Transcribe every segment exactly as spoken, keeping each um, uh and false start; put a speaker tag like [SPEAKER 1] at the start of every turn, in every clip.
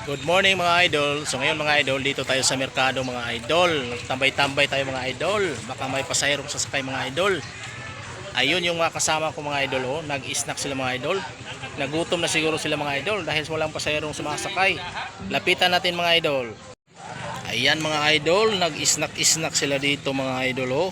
[SPEAKER 1] Good morning mga idol. So ngayon mga idol, dito tayo sa merkado mga idol. Tambay-tambay tayo mga idol. Baka may pasahirong sasakay mga idol. Ayun yung mga kasama ko mga idol, oh. Nag-snack sila mga idol. Nagutom na siguro sila mga idol dahil walang pasahirong sumasakay. Lapitan natin mga idol. Ayan mga idol, nag-snack-snack sila dito mga idol, oh.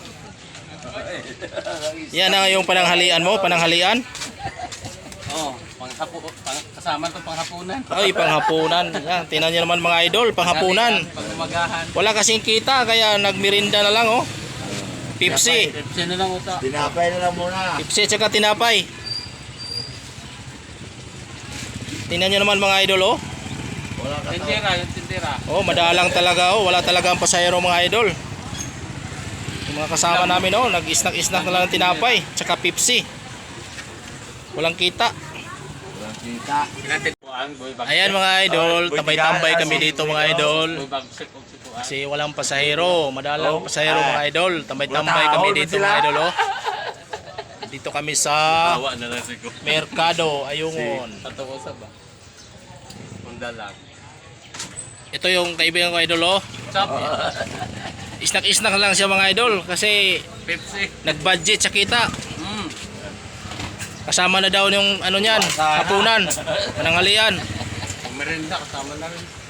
[SPEAKER 1] Yan na yung pananghalian mo, pananghalian.
[SPEAKER 2] Oh, panghapo, pang, kasama to panghapunan.
[SPEAKER 1] Ay, panghapunan. Yan, tingnan niyo naman mga idol, panghapunan.
[SPEAKER 2] Pangumagahan.
[SPEAKER 1] Wala kasing kita kaya nagmirinda na lang, oh. Pepsi.
[SPEAKER 2] Pepsi na lang uta.
[SPEAKER 3] Tinapay na lang muna.
[SPEAKER 1] Pepsi at saka tinapay. Tingnan niyo naman mga idol, oh.
[SPEAKER 3] Wala ka
[SPEAKER 2] Tindera, yung tindera.
[SPEAKER 1] Oh, madalang talaga, oh. Wala talagang pasahero mga idol. Yung mga kasama namin, oh, nag-snack-snack na lang ng tinapay, tsaka Pepsi. Walang kita.
[SPEAKER 3] Walang kita.
[SPEAKER 1] Ayan mga idol, tambay-tambay kami dito mga idol.
[SPEAKER 2] Kasi
[SPEAKER 1] Kasi walang pasahero, madalang pasahero mga idol. Tambay-tambay kami dito mga idol, oh. Dito kami sa
[SPEAKER 2] awa na lang siguro.
[SPEAKER 1] Merkado Ayungon.
[SPEAKER 2] Tatawa sa ba? Mundalag.
[SPEAKER 1] Ito yung kaibigan ko idol, oh.
[SPEAKER 2] Chop.
[SPEAKER 1] Snack-snack lang siya mga idol kasi
[SPEAKER 2] Pepsi.
[SPEAKER 1] nag-budget sa kita.
[SPEAKER 2] Mm.
[SPEAKER 1] Kasama na daw yung ano niyan, hapunan, pananghalian.
[SPEAKER 2] Merinda kasama na rin.